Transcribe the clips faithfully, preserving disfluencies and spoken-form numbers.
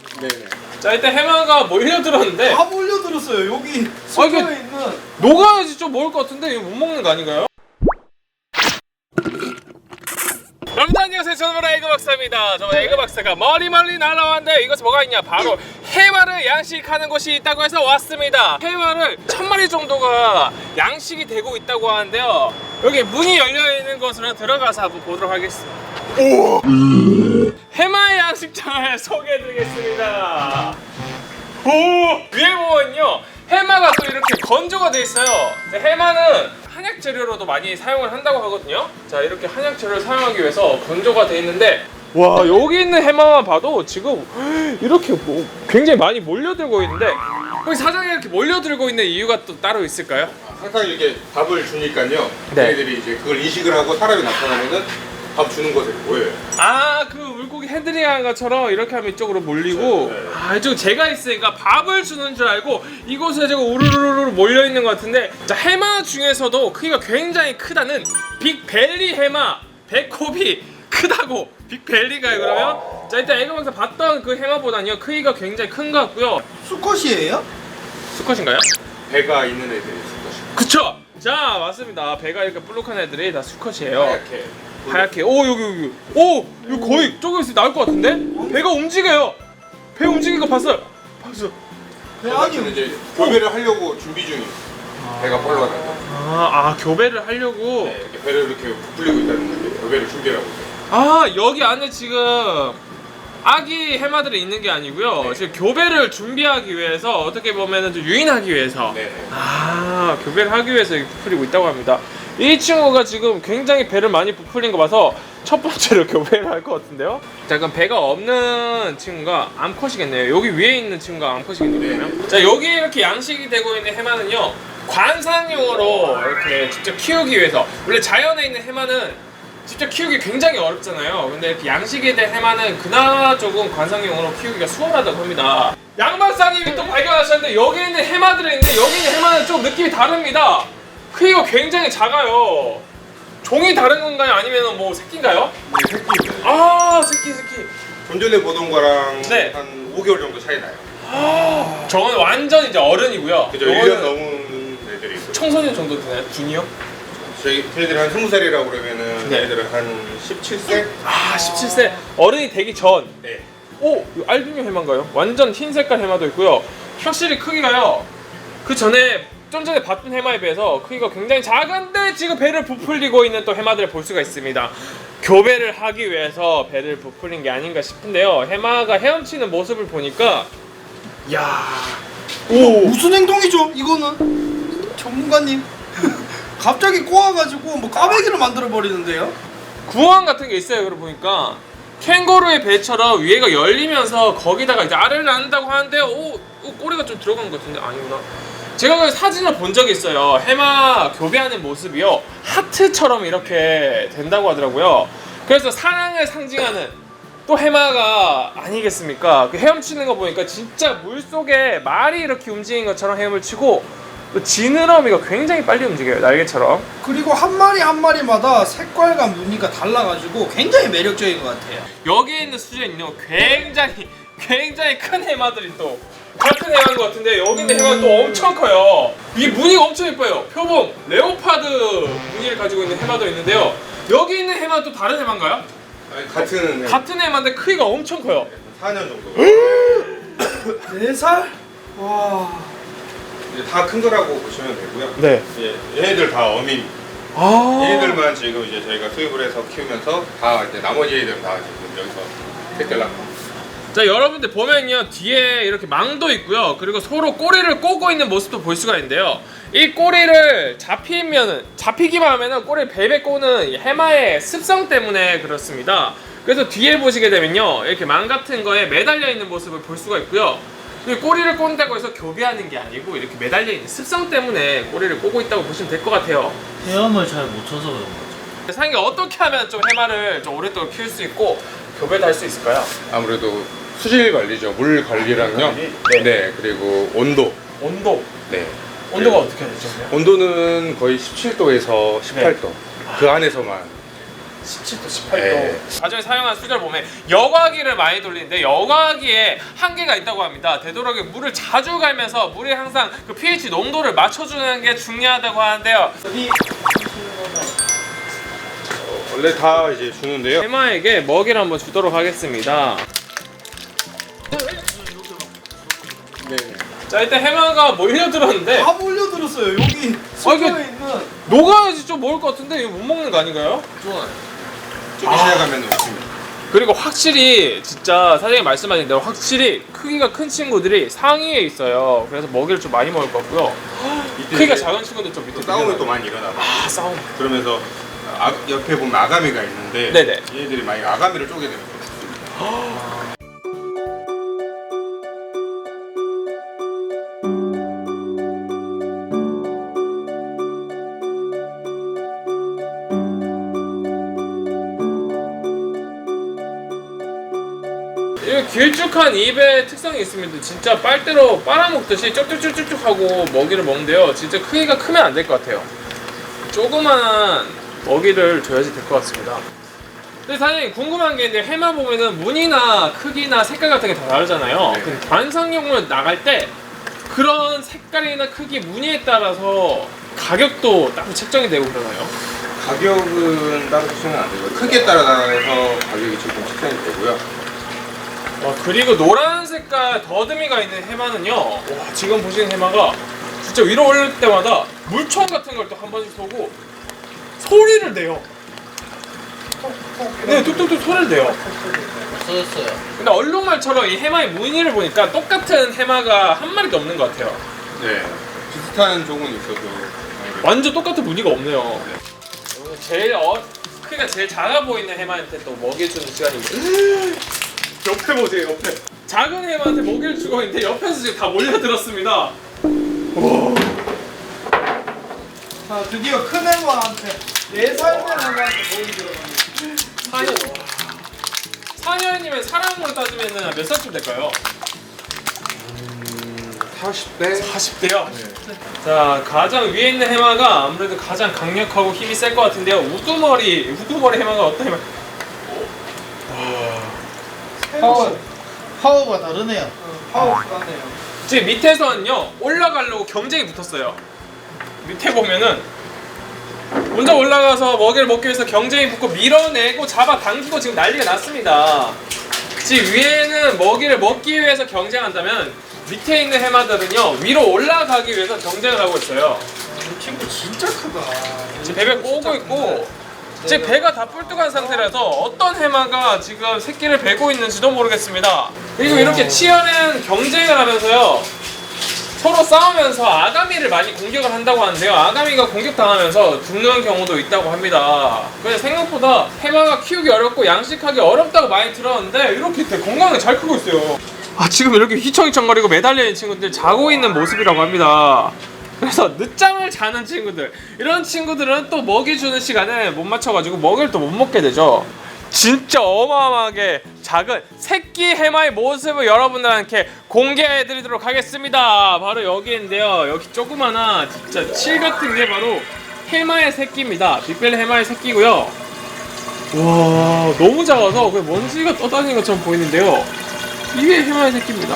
네네. 자, 일단 해마가 몰려들었는데 다 몰려들었어요. 여기 아, 이게 숙소에 있는. 녹아야지 좀 먹을 것 같은데 이거 못 먹는 거 아닌가요? 여러분들 안녕하세요. 저는 에그 박사입니다. 저 에그 박사가 멀리 멀리 날아왔는데 이것이 뭐가 있냐? 바로 해마를 양식하는 곳이 있다고 해서 왔습니다. 해마를 천 마리 정도가 양식이 되고 있다고 하는데요. 여기 문이 열려 있는 곳으로 들어가서 한번 보도록 하겠습니다. 오! 해마 양식장을 소개해드리겠습니다. 오! 위에 보면요, 해마가 또 이렇게 건조가 돼 있어요. 해마는 한약 재료로도 많이 사용을 한다고 하거든요. 자, 이렇게 한약 재료를 사용하기 위해서 건조가 돼 있는데, 와, 여기 있는 해마만 봐도 지금 이렇게 뭐 굉장히 많이 몰려들고 있는데, 여기 사장이 이렇게 몰려들고 있는 이유가 또 따로 있을까요? 항상 이렇게 밥을 주니까요. 네. 얘네들이 이제 그걸 인식을 하고 사람이 나타나면은 밥 주는 곳에 모여요. 아, 그 물고기 핸들링하는 것처럼 이렇게 하면 이쪽으로 몰리고, 네, 네. 아, 이쪽 제가 있으니까 밥을 주는 줄 알고 이곳에 지금 우르르르 몰려 있는 것 같은데, 자, 해마 중에서도 크기가 굉장히 크다는 빅벨리 해마, 배꼽이 크다고 빅벨리가요. 그러면 자, 일단 애교방에서 봤던 그 해마보다는요 크기가 굉장히 큰 것 같고요. 수컷이에요? 수컷인가요? 배가 있는 애들이 있을 것이고. 그쵸. 자, 맞습니다. 배가 이렇게 볼록한 애들이 다 수컷이에요. 하얗게. 하얗게. 오, 여기 여기. 오, 이거 거의 저기 있을 때 나올 것 같은데? 배가 움직여요. 배 움직이는 거 봤어요. 봤어. 배 아니요. 아니요. 이제 교배를 하려고 준비 중이에요. 배가 뻘러가는 거. 아, 아, 교배를 하려고. 네, 이렇게 배를 이렇게 부풀리고 있다는 건데 교배를 준비하고 있어요. 아, 여기 안에 지금 아기 해마들이 있는 게 아니고요. 네. 지금 교배를 준비하기 위해서, 어떻게 보면은 좀 유인하기 위해서. 네. 아, 교배를 하기 위해서 이렇게 부풀리고 있다고 합니다. 이 친구가 지금 굉장히 배를 많이 부풀린 거 봐서 첫 번째로 교배를 할 것 같은데요. 자, 그럼 배가 없는 친구가 암컷이겠네요. 여기 위에 있는 친구가 암컷이겠네요. 그러면. 자, 여기 이렇게 양식이 되고 있는 해마는요, 관상용으로 이렇게 직접 키우기 위해서. 원래 자연에 있는 해마는 직접 키우기 굉장히 어렵잖아요. 근데 이렇게 양식이 된 해마는 그나마 조금 관상용으로 키우기가 수월하다고 합니다. 양 박사님이 또 발견하셨는데, 여기 있는 해마들이 있는데 여기 있는 해마는 좀 느낌이 다릅니다. 크기가 굉장히 작아요. 종이 다른 건가요? 아니면 뭐 새끼인가요? 네, 새끼입니다. 아, 새끼 새끼. 좀 전에 보던 거랑 네. 한 오 개월 정도 차이 나요. 아, 저건 완전 이제 어른이고요. 그죠? 요거는 일 년 넘은 애들이 있어요. 청소년 정도 되나요? 중이요? 저희 걔네들이 한 스무 살이라고 그러면은 네. 얘네들은 한 십칠 세? 아, 십칠 세. 어른이 되기 전. 네. 오, 이거 알비뇨 해마인가요? 완전 흰 색깔 해마도 있고요. 확실히 크기가요, 그 전에 좀 전에 봤던 해마에 비해서 크기가 굉장히 작은데 지금 배를 부풀리고 있는 또 해마들을 볼 수가 있습니다. 교배를 하기 위해서 배를 부풀린 게 아닌가 싶은데요. 해마가 헤엄치는 모습을 보니까, 야, 오, 무슨 행동이죠? 이거는 전문가님. 갑자기 꼬아가지고 뭐 까베기를 만들어 버리는데요? 구멍 같은 게 있어요. 그러고 보니까 캥거루의 배처럼 위에가 열리면서 거기다가 이제 알을 낳는다고 하는데, 오, 오, 꼬리가 좀 들어간 것 같은데 아니구나. 제가 그 사진을 본 적이 있어요. 해마 교배하는 모습이요, 하트처럼 이렇게 된다고 하더라고요. 그래서 사랑을 상징하는 또 해마가 아니겠습니까? 그 헤엄치는 거 보니까 진짜 물속에 말이 이렇게 움직이는 것처럼 헤엄을 치고, 또 지느러미가 굉장히 빨리 움직여요, 날개처럼. 그리고 한 마리 한 마리마다 색깔과 무늬가 달라가지고 굉장히 매력적인 것 같아요. 여기에 있는 수제는요, 굉장히 굉장히 큰 해마들이 또 같은 해마인 것 같은데, 여기 있는 해마가 또 엄청 커요. 이 무늬가 엄청 예뻐요. 표범 레오파드 무늬를 가지고 있는 해마도 있는데요. 여기 있는 해마는 또 다른 해마인가요? 아니, 같은 애. 같은 해마인데 크기가 엄청 커요. 사 년 정도. 네 살? 와. 이제 다 큰 거라고 보시면 되고요. 네. 예, 얘네들 다 어민. 아. 얘네들만 지금 이제 저희가 수입을 해서 키우면서 다 이제 나머지 애들은 다 지금 여기서 새끼를 낳고. 자, 여러분들 보면요, 뒤에 이렇게 망도 있고요. 그리고 서로 꼬리를 꼬고 있는 모습도 볼 수가 있는데요. 이 꼬리를 잡히면은, 잡히기만 하면은 꼬리를 베베 꼬는 이 해마의 습성 때문에 그렇습니다. 그래서 뒤에 보시게 되면요, 이렇게 망 같은 거에 매달려 있는 모습을 볼 수가 있고요. 꼬리를 꼰다고 해서 교배하는 게 아니고 이렇게 매달려 있는 습성 때문에 꼬리를 꼬고 있다고 보시면 될 것 같아요. 헤엄을 잘 못 쳐서 그런 거죠. 사장님, 어떻게 하면 좀 해마를 좀 오랫동안 키울 수 있고 교배도 할 수 있을까요? 아무래도 수질 관리죠. 물 관리랑요. 네. 네. 그리고 온도. 온도. 네. 온도가 어떻게 되죠? 온도는 거의 십칠 도에서 십팔 도. 그 안에서만 십칠 도, 십팔 도. 네. 가정에 사용한 수제를 보면 여과기를 많이 돌리는데 여과기에 한계가 있다고 합니다. 되도록이 물을 자주 갈면서 물이 항상 그 pH 농도를 맞춰주는 게 중요하다고 하는데요. 원래 다 이제 주는데요. 해마에게 먹이를 한번 주도록 하겠습니다. 네. 자, 일단 해마가 몰려들었는데 다 몰려들었어요. 여기 숙소에 이게- 있는. 녹아야지 좀 먹을 것 같은데 이거 못 먹는 거 아닌가요? 좋아요. 좀 시작하면 없습니다. 그리고 확실히 진짜 사장님 말씀하신 대로 확실히 크기가 큰 친구들이 상위에 있어요. 그래서 먹이를 좀 많이 먹을 것 같고요. 크기가 작은 친구들 좀 밑에 또 싸움이 또 밀려나요. 많이 일어나고. 아, 싸움. 그러면서 아, 옆에 보면 아가미가 있는데 네네. 얘들이 많이 아가미를 쪼개 되는 거예요. 이 길쭉한 입의 특성이 있습니다. 진짜 빨대로 빨아먹듯이 쪽쪽쪽쪽 하고 먹이를 먹는데요. 진짜 크기가 크면 안 될 것 같아요. 조그만 먹이를 줘야지 될 것 같습니다. 근데 사장님 궁금한 게 있는데 해마 보면은 무늬나 크기나 색깔 같은 게 다 다르잖아요. 네. 근데 관상용으로 나갈 때 그런 색깔이나 크기, 무늬에 따라서 가격도 따로 책정이 되고 그러나요? 가격은 따로 측정은 안 되고요. 크기에 따라서 가격이 조금 측정이 되고요. 와, 그리고 노란 색깔 더듬이가 있는 해마는요. 와, 지금 보시는 해마가 진짜 위로 올릴 때마다 물총 같은 걸 또 한 번씩 쏘고 소리를 내요. 네, 뚝뚝뚝 소리를 내요. 없어졌어요. 근데 얼룩말처럼 이 해마의 무늬를 보니까 똑같은 해마가 한 마리도 없는 것 같아요. 네. 비슷한 종은 있어도 완전 똑같은 무늬가 없네요. 오늘 제일 어, 크기가 제일 작아 보이는 해마한테 또 먹여주는 시간입니다. 옆에 보세요, 옆에. 작은 해마한테 먹이를 주고 있는데 옆에서 지금 다 몰려들었습니다. 자, 드디어 큰 애마한테 네 살 된 애마한테 먹이 들어갑니다. 사 년. 사 년이면 사람으로 따지면 몇 살쯤 될까요? 사십 대? 사십 대요? 자, 가장 위에 있는 해마가 아무래도 가장 강력하고 힘이 셀 것 같은데요. 우두머리, 우두머리 해마가 어떤 해마? 파워, 파워가 다르네요. 파워 가네요. 지금 밑에서는요, 올라가려고 경쟁이 붙었어요. 밑에 보면은 먼저 올라가서 먹이를 먹기 위해서 경쟁이 붙고 밀어내고 잡아당기고 지금 난리가 났습니다. 지금 위에는 먹이를 먹기 위해서 경쟁한다면 밑에 있는 해마들은요, 위로 올라가기 위해서 경쟁을 하고 있어요. 이 친구 진짜 크다. 지금 배가 꼬고 있고 지금 배가 다 뿔뚝한 상태라서 어떤 해마가 지금 새끼를 베고 있는지도 모르겠습니다. 그리고 이렇게 치열한 경쟁을 하면서요, 서로 싸우면서 아가미를 많이 공격을 한다고 하는데요. 아가미가 공격당하면서 죽는 경우도 있다고 합니다. 그래서 생각보다 해마가 키우기 어렵고 양식하기 어렵다고 많이 들었는데 이렇게 되게 건강하게 잘 크고 있어요. 아, 지금 이렇게 휘청휘청거리고 매달려 있는 친구들 자고 있는 모습이라고 합니다. 그래서 늦잠을 자는 친구들, 이런 친구들은 또 먹이 주는 시간에 못 맞춰가지고 먹이를 또 못 먹게 되죠. 진짜 어마어마하게 작은 새끼 해마의 모습을 여러분들한테 공개해드리도록 하겠습니다. 바로 여기인데요. 여기 조그마한 진짜 칠 같은 게 바로 해마의 새끼입니다. 빅벨 해마의 새끼고요. 와, 너무 작아서 그 먼지가 떠다니는 것처럼 보이는데요. 이게 해마의 새끼입니다.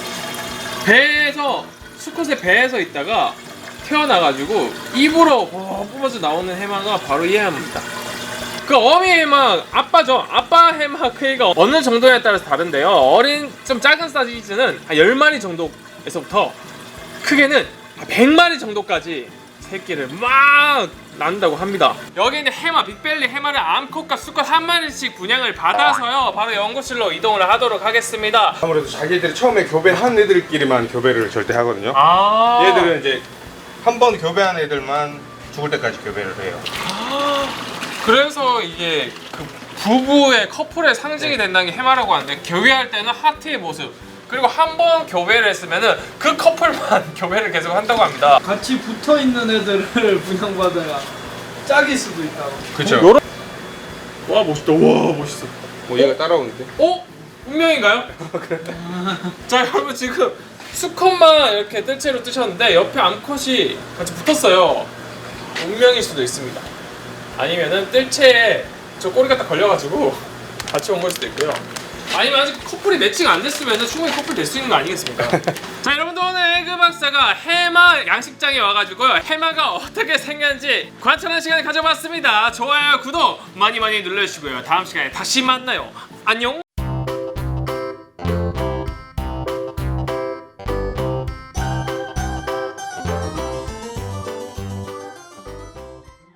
배에서, 수컷의 배에서 있다가 태어나가지고 입으로 어, 뿜어져 나오는 해마가 바로 이 해마입니다. 그 어미 해마, 아빠죠. 아빠 해마 크기가 어느 정도에 따라서 다른데요. 어린 좀 작은 사이즈는 한 열 마리 정도에서부터 크게는 백 마리 정도까지 새끼를 막 낳는다고 합니다. 여기 있는 해마, 빅벨리 해마를 암컷과 수컷 한 마리씩 분양을 받아서요, 바로 연구실로 이동을 하도록 하겠습니다. 아무래도 자기들이 처음에 교배한 애들끼리만 교배를 절대 하거든요. 아, 얘들은 이제 한 번 교배한 애들만 죽을 때까지 교배를 해요. 그래서 이게 그 부부의 커플의 상징이 된다는 게 해마라고 하는데, 교배할 때는 하트의 모습, 그리고 한 번 교배를 했으면은 그 커플만 교배를 계속 한다고 합니다. 같이 붙어 있는 애들을 분양받아야 짝일 수도 있다고. 그쵸. 요런... 와, 멋있다. 와, 멋있어. 뭐 얘가 따라오는데? 어? 운명인가요? 자, 여러분 지금 수컷만 이렇게 뜰채로 뜨셨는데 옆에 암컷이 같이 붙었어요. 운명일 수도 있습니다. 아니면은 뜰채에 저 꼬리가 딱 걸려가지고 같이 온 걸 수도 있고요. 아니면 아직 커플이 매칭 안 됐으면 충분히 커플 될 수 있는 거 아니겠습니까? 자, 여러분들 오늘 에그 박사가 해마 양식장에 와가지고요, 해마가 어떻게 생겼는지 관찰하는 시간을 가져봤습니다. 좋아요, 구독 많이 많이 눌러주시고요. 다음 시간에 다시 만나요. 안녕.